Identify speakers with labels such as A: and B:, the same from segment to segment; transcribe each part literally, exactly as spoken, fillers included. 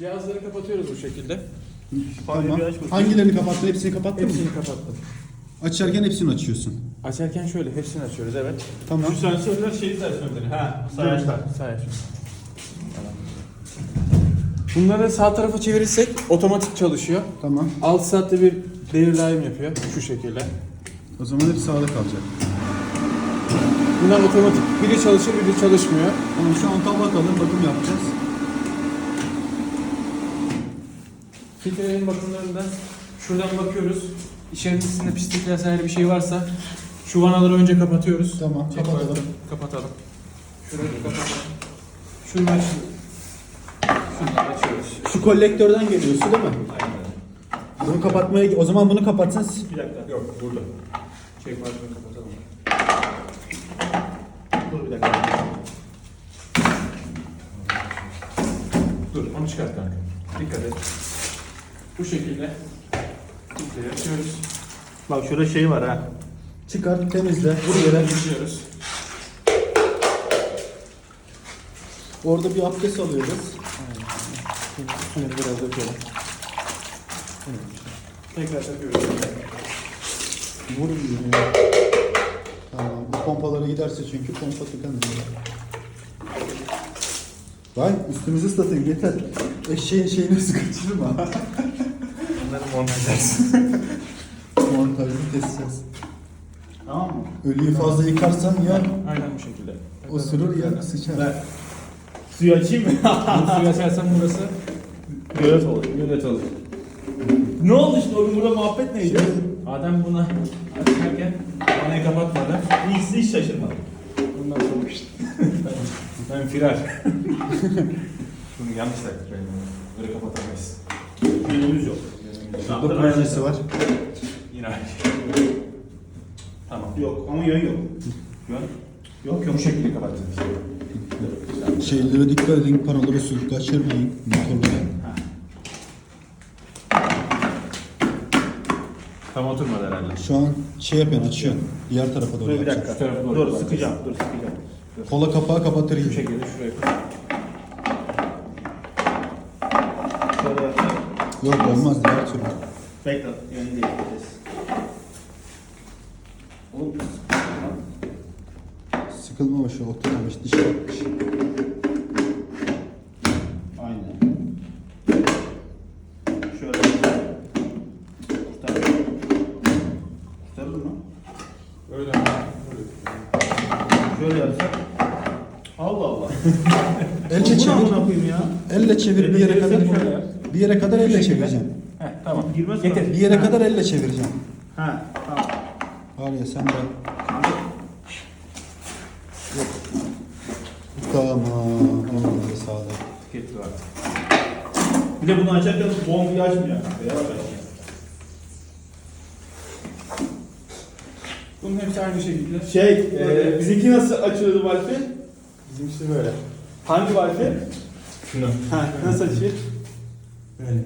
A: Cihazları kapatıyoruz bu şekilde.
B: Tamam. Hangilerini kapattın? Hepsini kapattın mı?
A: Hepsini kapattım.
B: Açarken hepsini açıyorsun.
A: Açarken şöyle hepsini açıyoruz, evet.
B: Tamam.
C: Şu sensörler şeyi sensörleri. Ha, sayaçlar.
A: Sayaçlar. Bunları sağ tarafa çevirirsek otomatik çalışıyor.
B: Tamam.
A: altı saatte bir devir daim yapıyor şu şekilde.
B: O zaman hep sağda kalacak.
A: Bunlar otomatik. Biri çalışır, biri çalışmıyor.
B: Tamam, şu an bakalım, bakım yapacağız.
A: Filtrelerin bakımlarında şuradan bakıyoruz. İçerisinde pislik vesaire bir şey varsa şu vanaları önce kapatıyoruz.
B: Tamam,
A: Tek
B: kapatalım.
A: başta Kapatalım. Şurayı da kapatalım. Şunu aç. Şunları açıyoruz.
B: Şu kolektörden geliyor su değil mi?
C: Aynen.
B: Bunu kapatmaya, o zaman bunu kapatsan.
C: Bir dakika. Yok, burada.
A: Çek marşını kapatalım.
C: Dur bir dakika.
A: Dur, onu çıkart kanka. Dikkat et. Bu şekilde filtreyi açıyoruz.
C: Bak şurada şey var ha.
B: Çıkar, temizle.
A: Buraya geçiyoruz.
B: Orada bir abdest alıyoruz.
A: Şunu biraz dökelim. Tekrar takıyoruz.
B: Vurun diyor. Tamam. Bu pompalara giderse çünkü pompa tıkanıyor. Vay, üstümüzü ıslatayım yeter. Eşeğin şeyini sıkıştırma.
A: Bunları montajlarız.
B: Montajını keseceğiz.
C: Tamam mı?
B: Ölüyü fazla yıkarsan ya
A: Aynen bu şekilde.
B: osurur ya sıçar.
C: Ben suyu açayım mı?
A: Bu suyu açarsan burası
C: Gölet olur. Gölet olur. Ne oldu işte o gün burada muhabbet neydi?
A: Adem buna açarken vanayı kapatmadı.
C: Hiç, hiç şaşırmadım.
A: Bundan sonra işte. ben firar. Bunu yanlış taktık benim. Böyle kapatamayız.
C: Yönümüz yok.
B: Burada perdesi var.
A: Yine aynı. Tamam.
C: Yok ama yön yok.
A: Yön.
C: Yok yok.
A: Bu şekilde kapatacağız.
B: Şeylere dikkat edin, paraları su kaçırmayın. Motorlara.
A: Tam oturmadı herhalde.
B: Şu an şey yapıyorsun, açıyorsun. Diğer tarafa doğru
C: Dur bir
B: yapacaksın.
C: dakika.
A: Şu tarafa doğru
C: Dur
A: kapatacağız.
C: sıkacağım. Dur sıkacağım.
B: Kola kapağı kapatır
A: Bu
B: gibi.
A: şekilde şuraya koy.
C: Şöyle yapacağım.
B: Yok olmaz diğer türlü.
C: Bekle. Yönü değiştireceğiz. Oğlum.
B: Sıkılmamış, oturmamış, diş yapmış.
C: Aynen. Şöyle. Kurtar. Kurtarır mı?
A: Öyle.
C: Şöyle yapsak. Allah Allah.
B: Elle
C: Bu ne
B: çevir.
C: amına koyayım ya?
B: Elle çevir bir yere kadar.
A: Şöyle yap.
B: Bir yere kadar elle çevireceksin.
A: Heh, tamam.
C: Girmez
A: Getir.
C: mi?
B: Bir yere kadar elle çevireceksin.
C: Ha, tamam.
B: Var ya sen de. Yok. Tamam. Onları sağda.
A: Getir artık.
C: Bir de bunu açarken bombayı açmıyor. Beyaz açıyor.
A: Bunun hepsi aynı şekilde.
C: Şey, e, bizimki nasıl açıyordu Wi-Fi?
A: Bizimkisi böyle.
C: Hangi Wi-Fi?
A: Şunu.
C: Ha, nasıl açıyor?
A: Böyle.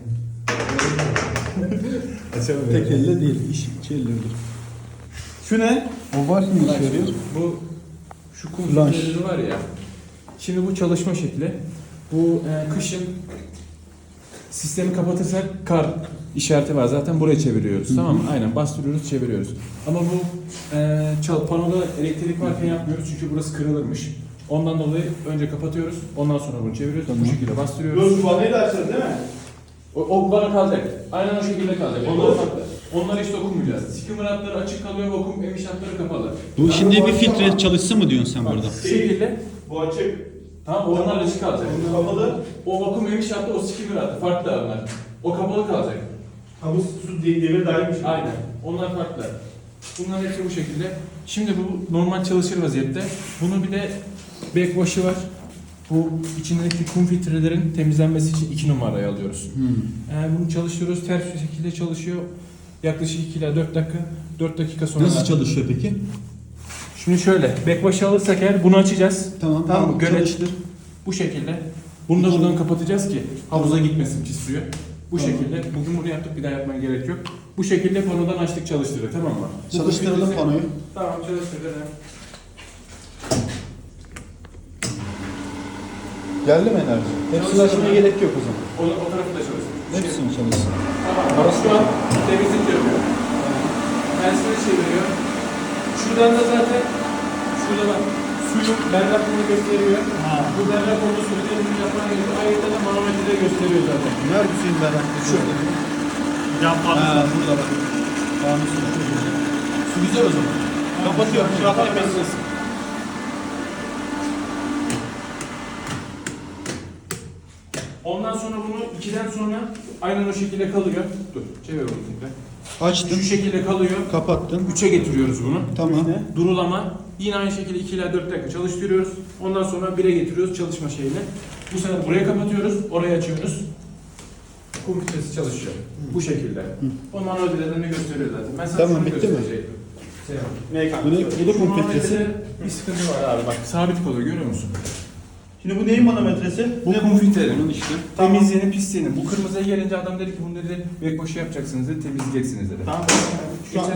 A: Açalım.
B: Tek elle değil, iş iki elle olur.
C: Şu ne?
B: O var mı işe yarıyor?
A: Bu şu kum
B: Flash.
A: filtreleri var ya. Şimdi bu çalışma şekli. Bu e, kışın sistemi kapatırsak kar işareti var. Zaten buraya çeviriyoruz. Tamam mı? Aynen bastırıyoruz, çeviriyoruz. Ama bu e, çal panoda elektrik varken yapmıyoruz çünkü burası kırılırmış. Ondan dolayı önce kapatıyoruz. Ondan sonra bunu çeviriyoruz.
B: Tamam.
A: Bu şekilde bastırıyoruz.
C: Dur, şu vanayı da açacağız değil mi?
A: O, o bana kalacak. Aynen o şekilde kalacak. Onlar farklı. Onlara hiç dokunmayacağız. Skimmer hatları açık kalıyor, vakum emiş hatları kapalı.
B: Bu şimdi bir filtre çalışsın mı diyorsun sen burada?
A: Bu şekilde.
C: Bu açık.
A: Tamam, onlar açık kalacak.
C: Bu kapalı.
A: O vakum emiş hattı, o skimmer hattı. Farklı onlar. O kapalı kalacak.
C: Ha bu su de- devir dahilmiş.
A: Aynen. Onlar farklı. Bunlar hepsi bu şekilde. Şimdi bu normal çalışır vaziyette. Bunun bir de backwash'ı var. Bu içindeki kum filtrelerin temizlenmesi için iki numarayı alıyoruz.
B: Hmm.
A: Yani bunu çalıştırıyoruz. Ters bir şekilde çalışıyor. Yaklaşık iki ila dört dakika. dört dakika sonra...
B: Nasıl çalışıyor peki?
A: Şimdi şöyle. Backwash'ı alırsak eğer bunu açacağız.
B: Tamam,
A: Tamam mı?
B: tamam,
A: Göle
B: çalıştır.
A: Bu şekilde. Bunu da buradan kapatacağız ki havuza gitmesin pis suyu. Bu
B: Tamam.
A: şekilde. Bugün bunu yaptık, bir daha yapmaya gerek yok. Bu şekilde panodan açtık, çalıştırıyor, tamam mı? Bu
B: Çalıştıralım
A: filtresi-
B: panoyu.
A: Tamam, çalıştıralım.
B: Geldi mi enerji? Hepsini açmaya gerek yok o zaman.
A: O, o tarafı da çalışsın.
B: Hepsini çalışsın.
A: Tamam. Şu an temizlik yapıyor. Tersini çeviriyor. Şuradan da zaten şurada bak suyun berraklığını gösteriyor.
B: Ha.
A: Bu berrak olduğu sürece temizlik yapmaya gerekiyor. Ayrıca da manometrede gösteriyor zaten.
B: Nerede suyun berraklığı? Şurada.
C: Cam
B: Ha,
C: patlısı.
B: burada bak. Tamam, su çok güzel. Su güzel o zaman. Kapatıyorum. Şu an temizlesin.
A: Ondan sonra bunu ikiden sonra aynen o şekilde kalıyor. Dur, çevir onu tekrar.
B: Açtın.
A: Şu şekilde kalıyor.
B: Kapattın.
A: üçe getiriyoruz bunu.
B: Tamam.
A: Durulama. Yine aynı şekilde iki ila dört dakika çalıştırıyoruz. Ondan sonra bire getiriyoruz çalışma şeyini. Bu sefer buraya kapatıyoruz, oraya açıyoruz. Kum filtresi çalışıyor. Bu şekilde. O manuel bilgilerini gösteriyor zaten. Ben sana
B: Tamam,
A: şunu
B: bitti mi?
A: gösterecektim. Şey yap.
C: Ne kanka?
B: Bu ne? Bu da
A: Şu
B: kum filtresi.
A: manuelde bir sıkıntı var abi bak. Sabit kalıyor görüyor musun?
C: Şimdi bu neyin manometresi?
A: Bu kum filtrenin.
B: Bunun işte.
A: Temizliğinin, pisliğinin. Bu kırmızıya gelince adam dedi ki bunu dedi bek boşu yapacaksınız dedi, temizleyeceksiniz dedi.
C: Tamam.
A: Şu an